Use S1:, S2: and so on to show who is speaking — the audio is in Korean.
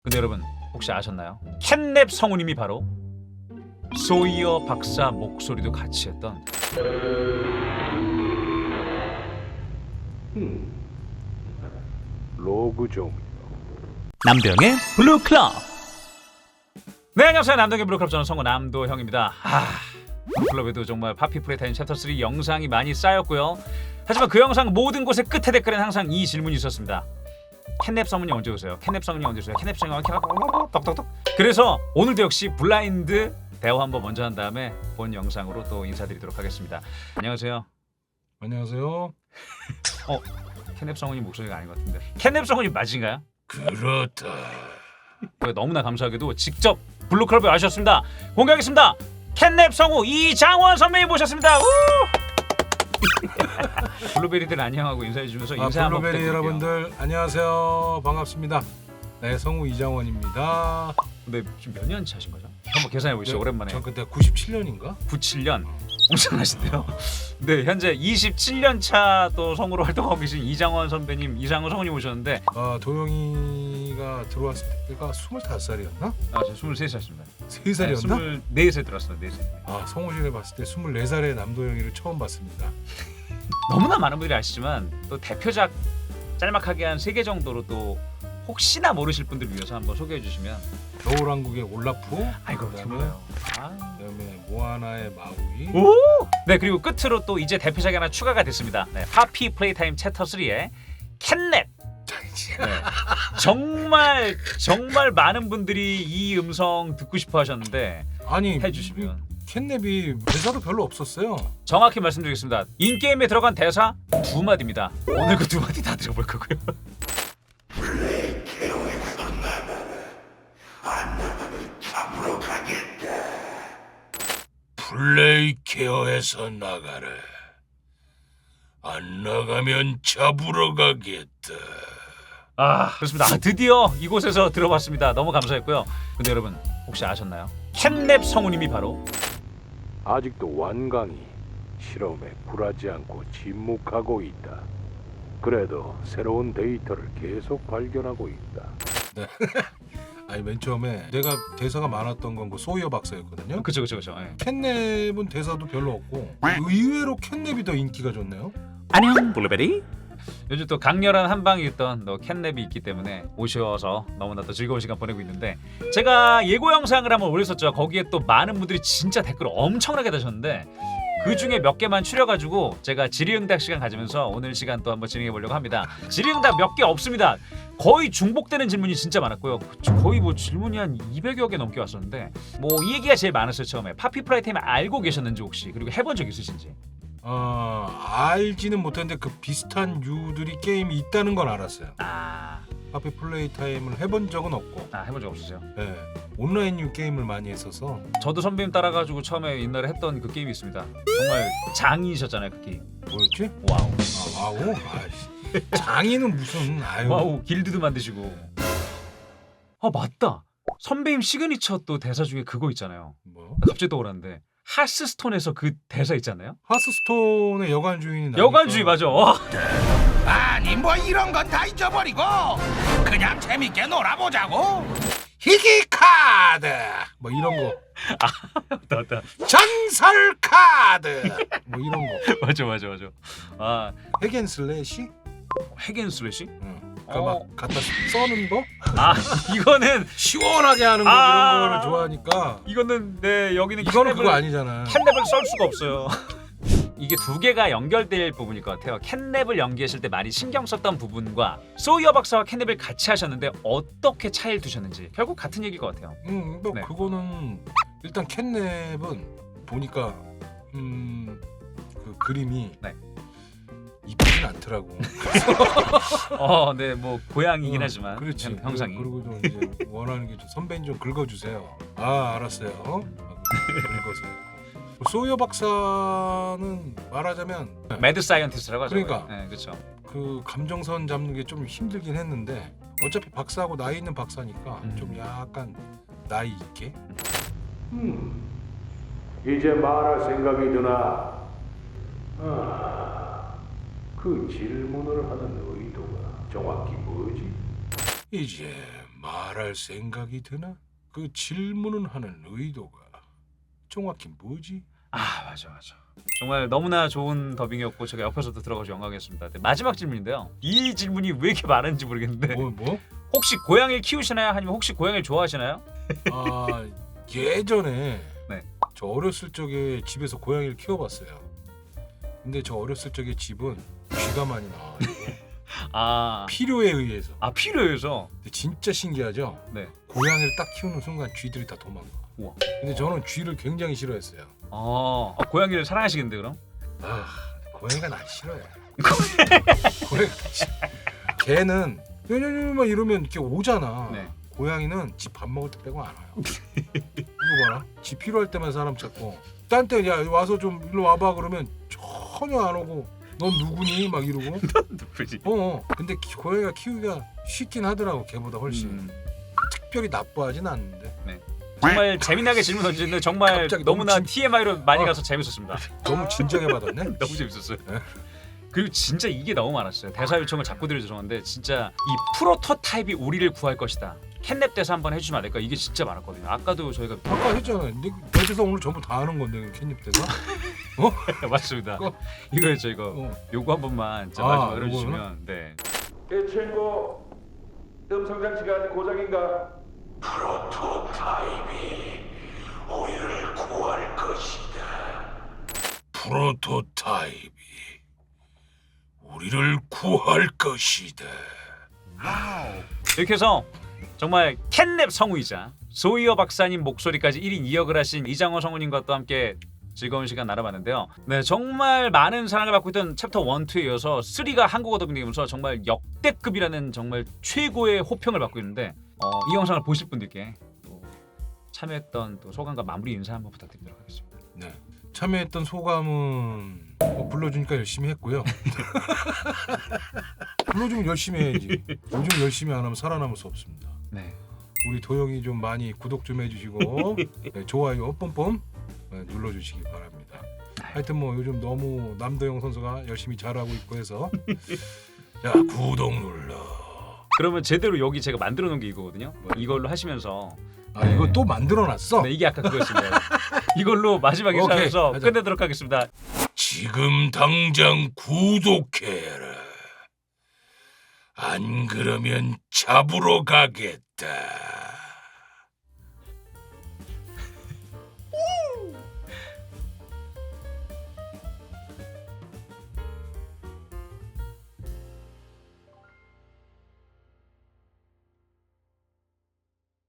S1: 근데 여러분 혹시 아셨나요? 캣냅 성우님이 바로 소이어 박사 목소리도 같이 했던
S2: 로그 종.
S1: 남도영의 블루클럽. 네, 안녕하세요. 남도영의 블루클럽, 저는 성우 남도형입니다. 블루클럽에도 정말 파피프레타임 챕터 3 영상이 많이 쌓였고요. 하지만 그 영상 모든 곳의 끝에 댓글에는 항상 이 질문이 있었습니다. 캣냅 성우님 언제 오세요? 캣냅 성우님 언제 오세요? 캣냅 성우님 떡떡떡. 그래서 오늘도 역시 블라인드 대화 한번 먼저 한 다음에 본 영상으로 또 인사드리도록 하겠습니다. 안녕하세요.
S3: 안녕하세요.
S1: 캣냅 성우님 목소리가 아닌 것 같은데. 캣냅 성우님 맞은가요?
S3: 그렇다.
S1: 너무나 감사하게도 직접 블루클럽에 와주셨습니다. 공개하겠습니다. 캣냅 성우 이장원 선배님 모셨습니다. 블루베리들 안녕하고 인사해 주면서 인사 한번
S3: 블루베리
S1: 부탁드릴게요.
S3: 여러분들 안녕하세요. 반갑습니다. 네, 성우 이장원입니다.
S1: 근데 지금 몇 년 차신 거죠? 한번 계산해 보시죠. 오랜만에.
S3: 전 그때 97년인가?
S1: 97년. 엄청나신데요. 네, 현재 27년 차 또 성우로 활동하고 계신 이장원 선배님, 이장원 성우님 오셨는데
S3: 도영이가 들어왔을 때가 25살이었나?
S1: 저 23살입니다.
S3: 3살이었나?
S1: 24세 들어왔습니다. 4세.
S3: 성우실에 봤을 때 24살의 남도영이를 처음 봤습니다.
S1: 너무나 많은 분들이 아시지만 또 대표작 짤막하게 한 3개 정도로 또 혹시나 모르실 분들을 위해서 한번 소개해 주시면.
S3: 겨울왕국의 올라프,
S1: 아이고
S3: 그다음에
S1: 드물어요.
S3: 그다음에 모아나의 마우이.
S1: 오! 네, 그리고 끝으로 또 이제 대표작이 하나 추가가 됐습니다. 네, 파피 플레이타임 챕터 3의 캣냅. 네, 정말 많은 분들이 이 음성 듣고 싶어 하셨는데
S3: 아니
S1: 해주시면.
S3: 캣냅이 대사도 별로 없었어요.
S1: 정확히 말씀드리겠습니다. 인게임에 들어간 대사 2마디입니다. 오늘 그 2마디 다 들어볼 거고요.
S3: 플레이 케어에서 나가래. 안 나가면 잡으러 가겠다.
S1: 그렇습니다. 드디어 이곳에서 들어봤습니다. 너무 감사했고요. 근데 여러분 혹시 아셨나요? 캣냅 성우님이 바로
S2: 아직도 완강히 실험에 굴하지 않고 침묵하고 있다. 그래도 새로운 데이터를 계속 발견하고 있다.
S3: 아니 맨 처음에 내가 대사가 많았던 건 그 소이어 박사였거든요.
S1: 그쵸. 예.
S3: 캣냅은 대사도 별로 없고 의외로 캣냅이 더 인기가 좋네요.
S1: 안녕 블루베리. 요즘 또 강렬한 한방이 있던 또 캣냅이 있기 때문에 오셔서 너무나 또 즐거운 시간 보내고 있는데, 제가 예고 영상을 한번 올렸었죠. 거기에 또 많은 분들이 진짜 댓글을 엄청나게 다셨는데 그 중에 몇 개만 추려가지고 제가 질의응답 시간 가지면서 오늘 시간 또 한번 진행해 보려고 합니다. 질의응답 몇 개 없습니다. 거의 중복되는 질문이 진짜 많았고요. 거의 뭐 질문이 한 200여 개 넘게 왔었는데 뭐 이 얘기가 제일 많았어요. 처음에 파피 플라이타임 알고 계셨는지 혹시, 그리고 해본 적 있으신지.
S3: 알지는 못했는데 그 비슷한 유들이 게임이 있다는 건 알았어요. 파피 플레이 타임을 해본 적은 없고.
S1: 해본 적 없으세요?
S3: 네, 온라인 유 게임을 많이 했어서.
S1: 저도 선배님 따라가지고 처음에 옛날에 했던 그 게임이 있습니다. 정말 장이셨잖아요, 그 게임.
S3: 뭐였지?
S1: 와우.
S3: 와우. 장인은 무슨
S1: 와우, 길드도 만드시고. 맞다. 선배님 시그니처 또 대사 중에 그거 있잖아요.
S3: 뭐?
S1: 갑자기 떠오르는데 하스스톤에서 그 대사 있잖아요.
S3: 하스스톤의 여관 주인이 나니까.
S1: 여관주의 맞아.
S4: 아니 뭐 이런 건 다 잊어버리고 그냥 재밌게 놀아보자고. 희귀 카드,
S3: 뭐 이런 거.
S1: 맞다.
S4: 전설 카드.
S3: 뭐 이런 거.
S1: 맞아.
S3: 핵앤슬래시?
S1: 핵앤슬래시?
S3: 그러니까 막 갖다 써는 거?
S1: 이거는
S3: 시원하게 하는 거 이런 거를 좋아하니까.
S1: 이거는 네, 여기는
S3: 이거는 그거 아니잖아.
S1: 캣냅을 썰 수가 없어요. 이게 두 개가 연결될 부분일 것 같아요. 캣냅을 연기하실 때 많이 신경 썼던 부분과 소이어 박사와 캣냅을 같이 하셨는데 어떻게 차이를 두셨는지 결국 같은 얘기일 것 같아요.
S3: 뭐
S1: 네.
S3: 그거는 일단 캣냅은 보니까 그 그림이
S1: 네.
S3: 이쁘진 않더라고.
S1: 네, 뭐 고양이긴 하지만
S3: 그렇지.
S1: 형상이.
S3: 그리고 좀 이제 원하는 게 좀 선배님 좀 긁어주세요. 알았어요. 긁어서. 소이어 박사는 말하자면
S1: 매드 사이언티스트라고 하죠.
S3: 그러니까.
S1: 네, 그렇죠.
S3: 그 감정선 잡는 게 좀 힘들긴 했는데 어차피 박사하고 나이 있는 박사니까
S1: 음.
S3: 좀 약간 나이 있게.
S2: 이제 말할 생각이 드나? 그 질문을 하는 의도가 정확히 뭐지?
S3: 이제 말할 생각이 드나? 그 질문은 하는 의도가 정확히 뭐지?
S1: 아 맞아. 정말 너무나 좋은 더빙이었고 제가 옆에서도 들어가서 영광이었습니다. 네, 마지막 질문인데요. 이 질문이 왜 이렇게 많은지 모르겠는데
S3: 뭐?
S1: 혹시 고양이를 키우시나요? 아니면 혹시 고양이를 좋아하시나요?
S3: 아 예전에
S1: 네.
S3: 저 어렸을 적에 집에서 고양이를 키워봤어요. 근데 저 어렸을 적에 집은 쥐가 많이 나와요.
S1: 아
S3: 필요에 의해서.
S1: 필요해서.
S3: 근데 진짜 신기하죠?
S1: 네.
S3: 고양이를 딱 키우는 순간 쥐들이 다 도망가.
S1: 우와.
S3: 근데 저는 쥐를 굉장히 싫어했어요.
S1: 고양이를 사랑하시겠는데 그럼?
S3: 아 고양이가 날 싫어해. 고양이가 싫어. 개는 막 이러면 이렇게 오잖아.
S1: 네.
S3: 고양이는 지 밥 먹을 때 빼고 안 와요. 이거 봐라. 지 필요할 때만 사람 찾고 딴 때 야 와서 좀 일로 와봐 그러면 전혀 안 오고 넌 누구니 막 이러고.
S1: 누구지?
S3: 근데 고양이가 키우기가 쉽긴 하더라고 개보다 훨씬. 특별히 나빠하진 않는데.
S1: 정말 재미나게 질문 던지는데 정말
S3: 갑자기
S1: 너무나
S3: 너무
S1: TMI로 많이 가서 재밌었습니다.
S3: 너무 진지하게 받았네.
S1: 너무 재밌었어요.
S3: 네.
S1: 그리고 진짜 이게 너무 많았어요. 대사 요청을 자꾸 드려 죄송한데 진짜 이 프로토타입이 우리를 구할 것이다. 캔냅 대사 한번 해주시면 안 될까? 이게 진짜 많았거든요. 아까도 저희가
S3: 아까 했잖아요. 내 대사 오늘 전부 다 하는 건데 캔입 대사.
S1: 맞습니다.
S3: 그거-
S1: 이거였죠 이거.
S3: 어.
S1: 요거 한 번만 진짜
S3: 아,
S1: 마지막으로
S3: 요거는?
S1: 해주시면 네.
S2: 이 친구 음성 장치가 아직 고장인가?
S3: 프로토타입이 우리를 구할 것이다.
S1: 이렇게 해서 정말 캔냅 성우이자 소이어 박사님 목소리까지 1인 2역을 하신 이장호 성우님과 또 함께 즐거운 시간 나눠봤는데요. 네, 정말 많은 사랑을 받고 있던 챕터 1, 2에 이어서 3가 한국어 더빙되면서 정말 역대급이라는 정말 최고의 호평을 받고 있는데 이 영상을 보실 분들께 또 참여했던 또 소감과 마무리 인사 한번 부탁드리도록 하겠습니다.
S3: 네. 참여했던 소감은 불러주니까 열심히 했고요. 불러주면 열심히 해야지. 요즘 열심히 안 하면 살아남을 수 없습니다.
S1: 네.
S3: 우리 도영이 좀 많이 구독 좀 해주시고 네, 좋아요 뽐뽐 눌러주시기 바랍니다. 하여튼 뭐 요즘 너무 남도영 선수가 열심히 잘하고 있고 해서 야 구독 눌러.
S1: 그러면 제대로 여기 제가 만들어 놓은 게 이거거든요. 이걸로 하시면서
S3: 아 이거 또 만들어놨어?
S1: 네, 이게 아까 그거였습니다. 이걸로 마지막
S3: 오케이,
S1: 인사하면서
S3: 가자.
S1: 끝내도록 하겠습니다.
S3: 지금 당장 구독해라. 안 그러면 잡으러 가겠다.